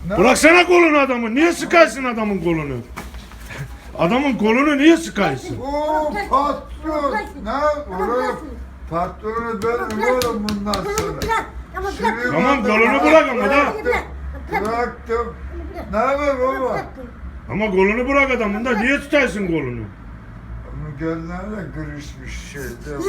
Bıraksana kolunu adamın. Niye sıkaysın adamın kolunu? Adamın kolunu niye sıkaysın? Oo patron. Ne? Oraya patronu benim oğlum bundan sonra. Tamam kolunu bırak ama da. Bıraktım. Ne haber baba? Ama kolunu bırak adamın da. Niye tutaysın kolunu? Onun gözlerine kırışmış şeyde.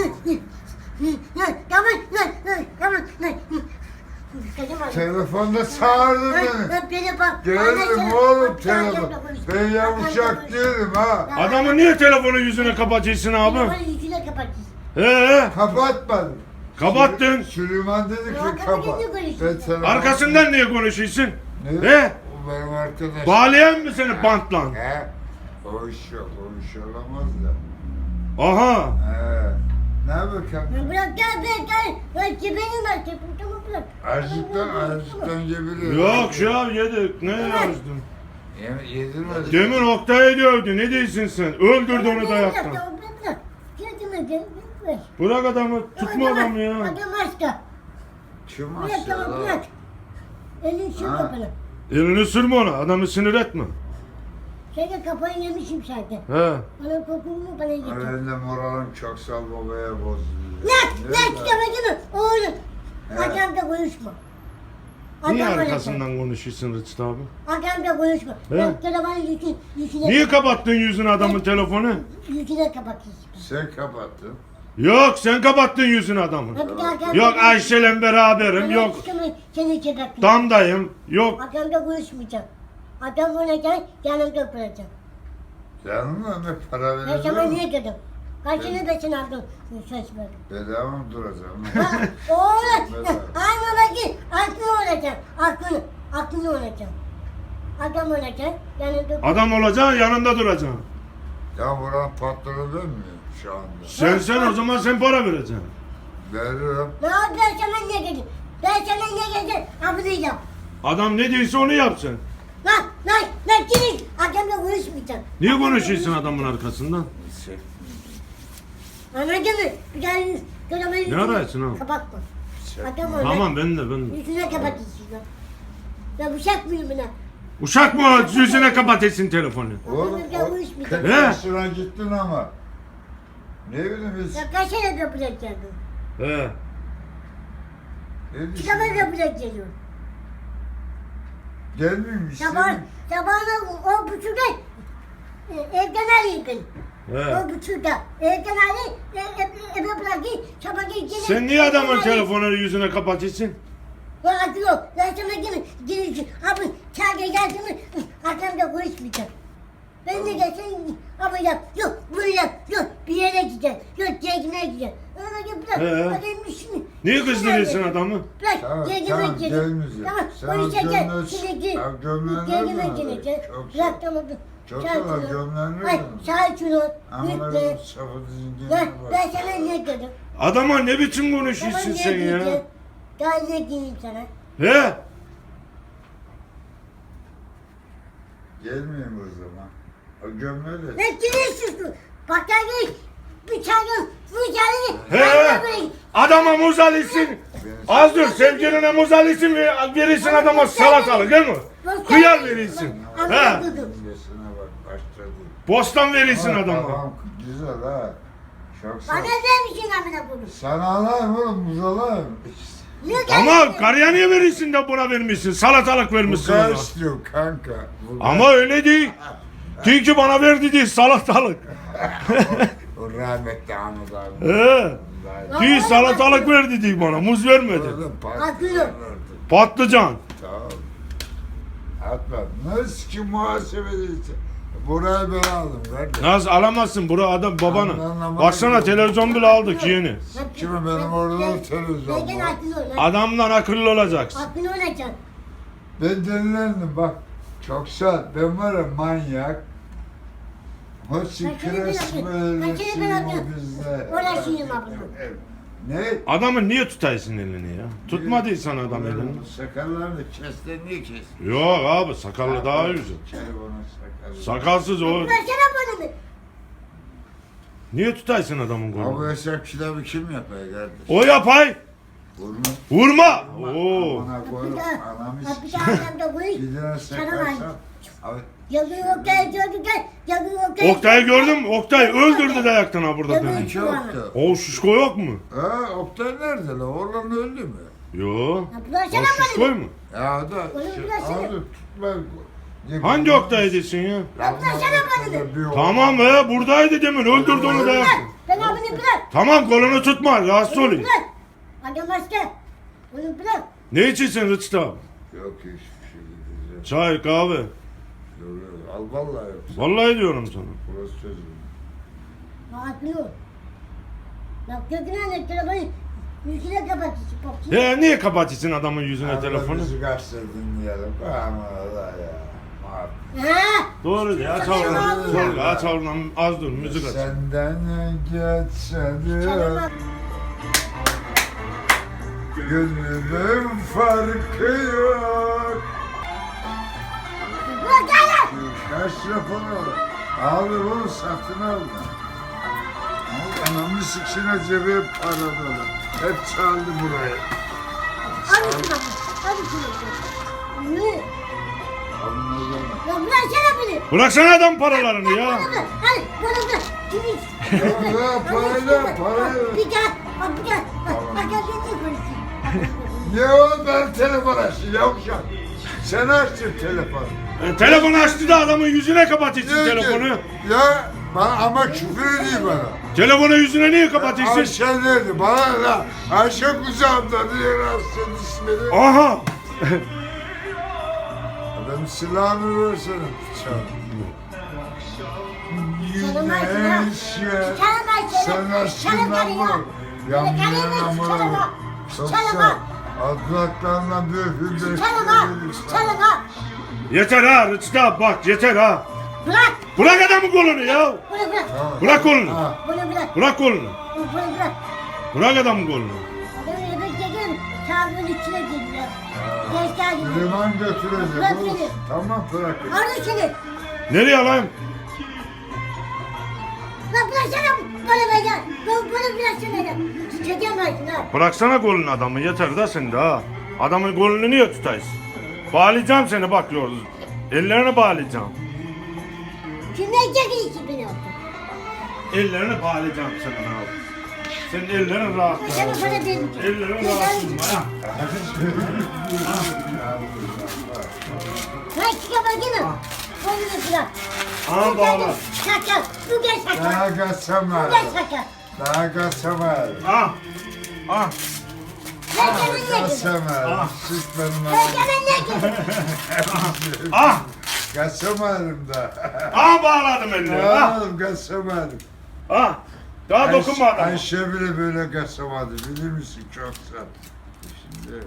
Telefonda çağırdı beni. Geldim oğlum telefon. Ben yavuşak değilim ha. Adamın niye telefonu yüzüne kapatıyorsun abi? Yüzüne kapatıyorsun. Kapatmadım. Kapattın. Süleyman dedi ki kapat. Ben telefon- Arkasından niye konuşuyorsun? Ne? O benim arkadaşım. Bağlayan mı seni bantla? He? O iş yok, o iş olamaz da. Aha. He. Ne bakalım? Bırak gel. Bırak benim var. Tamam bırak. Azıcıktan gebiliyor. Yok ya yedik. Ne yazdın? Yedirmedi. Demin Oktay'ı dövdü. Ne diyorsun sen? Öldürdü onu dayaktan. Bırak. Gel. Bırak adamı. Tutma adamı ya. Adam başka. Kim Bırak aşağıda? bırak. Elini sür Ha. kapını. Elini sürme ona. Adamı sinir etme. Senin kafayı yemişim zaten. He. Bana kokumu bana getir. Ben de moralim çok sal babaya bozuluyor. Lan kitabını oğlum. Hakamda konuşma. Niye Hakamda arkasından konuşuyorsun Rıçtı abi? Hakamda konuşma. He. Bak telefonu yüzüne. Niye kapattın yüzünü adamın telefonu? Yüzüne kapatıyorsun. Sen kapattın. Yok sen kapattın yüzünü adamın. Hadi hakamda- Yok Ayşe'yle beraberim. Yok Seni çekatlayayım. damdayım. Yok. Hakamda konuşmayacağım. Hakam olacak, yanımda oturacağım. Canım ne para Ben sana veriyor? niye dedim? Kaçını besin aldım. Söz verdim. Bedava mı duracağım? Ha, oğlum, Bedava. aynı bakayım, aklını olacak, aklını olacak. Adam olacak, yanımda Adam olacaksın yanında duracaksın. Ya buranın patronu ben miyim şu anda? Sen o zaman sen para vereceksin. Veririm. Ne yapayım ben sana ne dedim? Ben sana ne dedim? Ablayacağım. Adam ne diyorsa onu yapsın. Lan gidin. Hakamla konuşmayacağım. Niye konuşuyorsun adamın arkasından? Anladın mı? Bir daha Ne arıyorsun ha? Kapatma. Hakam olacak. Tamam ben de. Yüzüne kapatıyorsun lan. Ben bıçak mıyım buna? Uşak mı yüzüne kapatıyorsun telefonu? Oğlum Ben konuşmayacağım. 40 yaşına gittin ama. Ne bileyim biz. Ya kaç sene yapacaksın? He. Ne Çıkamaz düşünüyorsun? yapacaksın. Gelmeyeyim Sabahına o buçukta evden arayayım beni. He. O buçukta evden arayayım, eve bırakayım, sabah gelip Sen niye adamın telefonunu yüzüne kapatıyorsun? Vakit yok, ben sana gelin, abi çağırga gelsin mi, hakamda konuşmayacağım. Ben de gelsin, abi yap, yok bunu yap, yok bir yere gideceğim, yok gezmeye gideceğim. Öyle bırak, adamın işini. Niye kızdırıyorsun adamı? Bırak, Tamam, gezmeye tamam, gideceğim. gelmeyeceğim. Tamam, Sen konuşacağım, gömleği- şimdi gel. Ya gömleğini Gezmeye nereden gideceğim. alıyorsun? Bırak tamam. Çok sakin sağ ol, ol. gömleğini Ay, nereden sakin ol, Ama lütfen. ben safı dizingine Ben bak. sana ne dedim? Adama ne biçim Tamam konuşuyorsun ne sen diyeceğim? ya? Daha ne diyeyim sana? He? Gelmeyeyim o zaman. O gömleği de. Ne giriyorsun? Bak gel bıçağın He? Adama muz alıyorsun. Az dur sevgiline muz alıyorsun ve verirsin adama salatalık değil mi? Kıyar verirsin. He? Gömleğine bak başladı. Bostan verirsin Ama adama. Tamam güzel ha. Çok sağ Bana ol. vermişsin amına koyayım. Sana alayım oğlum muz alayım. Niye Ama geldin? karıya niye verirsin de buna vermişsin? Salatalık Bu vermişsin kadar ona. istiyorum kanka. Bu Ama öyle değil. Değil ki bana verdi değil salatalık. O rahmetli Ahmet abi. He. Değil salatalık verdi değil bana. Muz vermedi. Orada Haklı. patlıcan vardı. Patlıcan. Tamam. Atma. Nasıl ki muhasebedeyse. Burayı ben aldım kardeşim. Nasıl alamazsın bura adam babanı. Anlamadım. Baksana televizyon bile aldık yeni. Kimi benim orada da televizyon Ben var. haklı ol. Adamdan akıllı olacaksın. Haklı olacaksın. Ben delilendim bak. Çok sağ. Ben var ya manyak. Hoşçi Kaçını ben kres yapıyorum. böyle Kaçını ben yapıyorum. bizde. Uğraşayım abla. Ne? Adamın niye tutaysın elini ya? Tutmadıysan adam elini. Sakallarını kestin niye kestin? Yok abi sakallı daha güzel. Telefonun sakalı. Sakalsız o. Versene bana bir. Niye tutaysın adamın Abi kolunu? hesap kitabı kim yapıyor kardeş? O yapay. Vurma. Vurma. Oo. Amına koyup anamı Bir daha arkamda konuş. Bir daha sakarsam. Abi. Yazıyor Oktay gördük gel. Yazıyor Oktay. Oktay'ı gördün mü? Oktay öldürdü dayaktan ha burada Yazıyor beni. İki Oktay. O şişko yok mu? Ha Oktay nerede lan? Oğlan öldü mü? Yo. Ya bulaşana O şişko bana. mu? Ya da Onu biraz abi şey- tutma. Hangi Oktay desin ya? Ya bulaşana bana. Tamam be buradaydı demin öldürdü onu dayaktan. Ben abini bırak. Tamam kolunu tutma rahatsız Onu olayım. bırak. Adam başka. Onu bırak. Ne içiyorsun Rıçtı abi? Yok hiçbir şey diyeceğim. Çay kahve. Yok, al vallahi yok. Vallahi diyorum sana. Burası sözüm. Rahatlıyor. Bak göküne ne telefonu. Yüzüne kapatıyorsun. Ya niye kapatıyorsun adamın yüzüne Abi telefonu? müzik açtır dinleyelim. Aman Allah ya. Muhabbet. Ha? Doğru ya aç oradan. Doğru aç oradan az dur müzik aç. Senden geçelim. Çalama. Gönlümün farkı yok. Bırak gel. Kaç telefonu? Al bunu satın al. Anamı siksine cebi para dolu. Hep çaldı burayı. Hadi şuna. Hadi şuna. Yürü. Anladım. Ya bıraksana beni. Bıraksana adam paralarını ya. Hadi bana bırak. Kimi? Ya parayla. Bir gel. Bak bir gel. Bak gel ne konuşayım. Ne o ben telefon açtım yavşak. Sen açtın telefonu. Telefonu açtı da adamın yüzüne kapatıyorsun Niye ki? telefonu. Ya ama küfür ediyor bana. Telefonu yüzüne niye kapatıyorsun? Ayşe nerede? Bana da Ayşe kucağımda diye rahatsız ismini. Aha. Adam silahını versene bıçağını. Çalama Ayşe. Güneşe Çalama Ayşe. sen aşkından Çalama vur. Çalama. Yamyana Çalama. Yoksa Çalama. adlaklarla dökül Çalama. Çalama. Yeter ha Rıçtı abi bak yeter ha. Bırak. Bırak adamın kolunu ya. Bunu bırak. Bırak kolunu. Bunu bırak. Bırak kolunu. Bunu bırak. Bırak adamın kolunu. Adamı yemek yedin. Kağıdın içine girdi. Geç geldi. Liman götürecek. Bırak oğlum. beni. Tamam bırak. Arı seni. Nereye alayım? Lan bıraksana. Bana be gel. Bunu bıraksana gel. Çekemezsin ha. Bıraksana kolunu adamı yeter da sen de ha. Adamın kolunu niye tutaysın? Bağlayacağım seni bak yolda. Ellerini bağlayacağım. Kimden çekilişi beni yaptın? Ellerini bağlayacağım senin abi. Senin ellerin rahat. Sana para vermeyeceğim. Ellerin rahat tutma ya. Bırak çıkama gidin. Kolunu bırak. Aha bağla. Şaka. Bu gel şaka. Daha kaçamaz. Bu gel şaka. Daha kaçamaz. Ah. Ah. Ben kendin ne gidin? Kaçamaz. Süt benim Ben anam. kendin ne gidin? Ah. Kaçamadım da. Ah bağladım ellerini. Ah. Oğlum kaçamadım. Ah. Daha dokunma adama. Ayşe bile böyle kaçamadı. Bilir misin çok sağ. Şimdi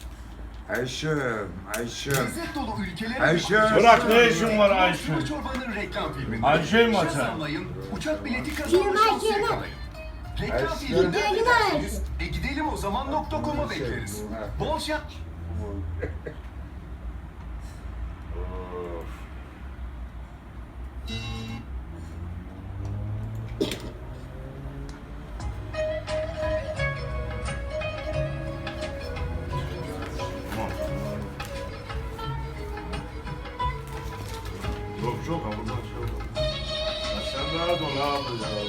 Ayşe. Lezzet dolu ülkelere Ayşe. Bırak ne işin var Ayşe? Sulu Çorba'nın reklam filminde. Ayşe mi Şans açar? almayın, uçak bileti Kim kazanma şansı Ayşe mi? yakalayın. Reklam Ayşe. filminden Gidelim bekleriz. Gidelim o zaman .com'a bekleriz. Bol şans. Yok yok ama buradan şey yok. Ya sen rahat ol abi ya.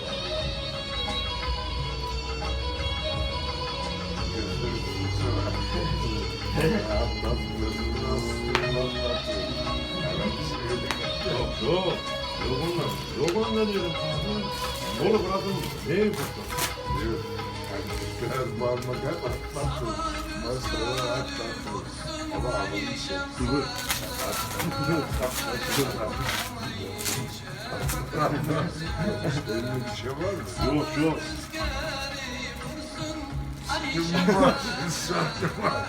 Yok yok. Yok ondan. Yok ondan diyorum. Oğlum bırakın. Ne yapıyorsun? Biraz bağırmak atlattı. Masaya atlattı. Ama adamı Dur. Öyle bir şey var mı? Yok yok. Kim var? Sattım var.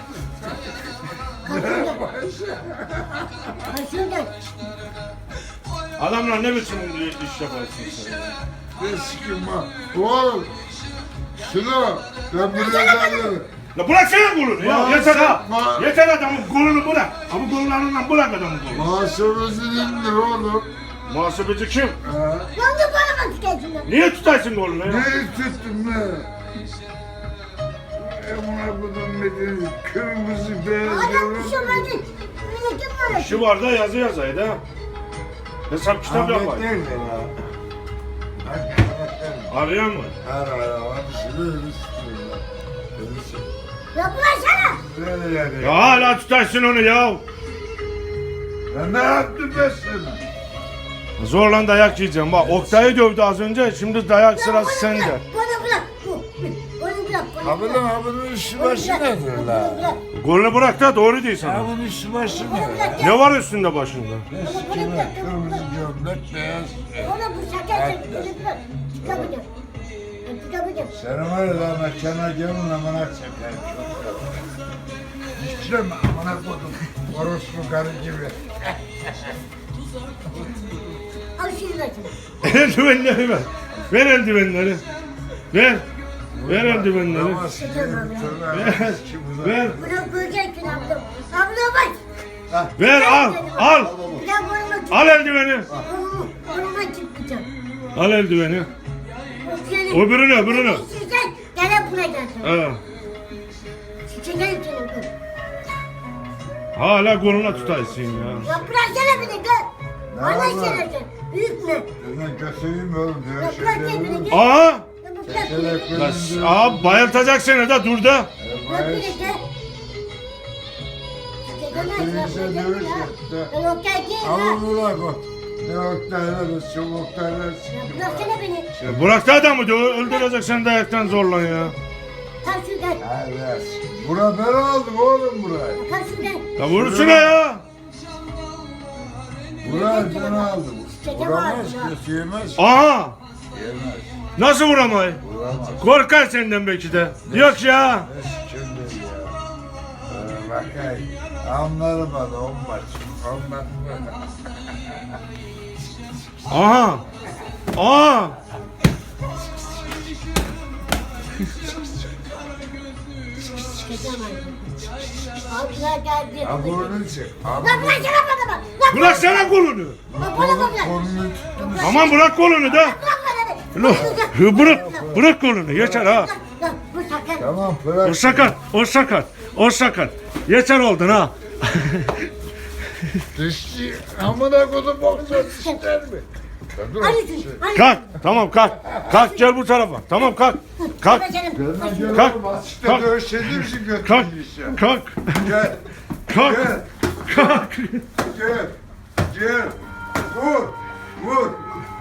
Ayşe gel. Adamla ne biçim iş yaparsın sen? Ne sikim var? Oğlum! Şunu! Ben buraya geldim. La bıraksana kolunu ya. Yeter ha. Ma- Yeter adamın kolunu bırak. Ama kollarından bırak adamın kolunu. Maaşımızı indir oğlum. Muhasebeci kim? Ha? Yandı bana mı çıkarsın lan? Niye tutarsın kolunu ya? Ne tuttun ne? Amına kodum medeni kırmızı beyaz Adam yavrum. bir şey olmadı. Öyle kim var? Şu var da yazı yazaydı ha. Hesap kitap Ahmet yapayım. nerede la? Ahmet nerede? Arayan mı? Her arabanı şöyle istiyorlar. Ya bulaşsana. Böyle yani. Ya hala tutarsın onu ya. Ben ne yaptım ben sana? Zorla dayak yiyeceğim. Bak Oktay'ı dövdü az önce. Şimdi dayak Ya sırası bunu sende. bırak, Bunu bırak. Bunu bırak. Ha bunun işi başı nedir la? Golünü bırak da doğru değil Ha sana. bunun işi başı ne? Ne var üstünde başında? Eskime kırmızı gömlek beyaz. Ona bu şeker bunu bırak. Çıkamayacağım. Çıkamayacağım. Sen var ya la mekana gelin amına çeker. İşlem amına kodum. Orospu karı gibi. Al şunu da şunu. Eldivenleri ver. Ver eldivenleri. Ver. Ver eldivenleri. Ama sizin tırnağı Ver. Bunu koyacaksın abla. Abla bak. Ver al. Al. Bir daha burnuma çık. Al eldiveni. Burnuma çıkmayacağım. Al eldiveni. O Öbürünü. Sen gene buraya gelsin. Ha. Çiçeğe senin kız. Hala koluna tutaysın ya. Ya bıraksana beni kız. Ne Bana var? işaretin. Büyütme. Senden götüreyim oğlum. Ya Diyor bırak şeyleri. kendini kız. Aa. Ya bırak beni. Aa bayıltacak seni de dur da. Bırak beni kız. Götürürse dövüş yaptı. Ben o geldiğim Al ha. bunu bak o. Ne oktaylar, şu oktaylar Ya sıkıyor. bıraksana beni. Bırak da adamı da öldürecek seni dayaktan zorla ya. Kalk şuradan. Evet. Bura ben aldım oğlum burayı. Kalk şuradan. Ya vursun ya. Burayı ben aldım. Vuramaz Çekemez ya. ki, yemez. Aha. Yemez. Nasıl vuramayı? Vuramaz. Korkar senden belki de. Yok ya. Ne sikimdir ya. Bakayım. Anlarım hadi 10 maç. 10 maç. Aha. Aha. Çekemez. Abla geldi. Ha burnunu çek. Lan bıraksana bana bak. Lan Bırak sana kolunu. bırak bana bak. Burnunu tuttum. Aman bırak kolunu da. Bırak bana beni. Bırak kolunu. Yeter ha. Lan bu sakın. Tamam bırak. O sakat. O sakat. O sakat. Yeter oldun ha. Dişçi amına kodum boğazına siker mi? Ya dur. Hadi şunu. Hadi. Kalk. Tamam kalk. Kalk gel bu tarafa. Tamam kalk. Kalk. Ben gel Kalk. oğlum açıkta Kalk. dövüşelim için Kalk. götüreyim. Kalk. Gel. Kalk. Gel. Kalk. Gel. Gel. Vur. Vur.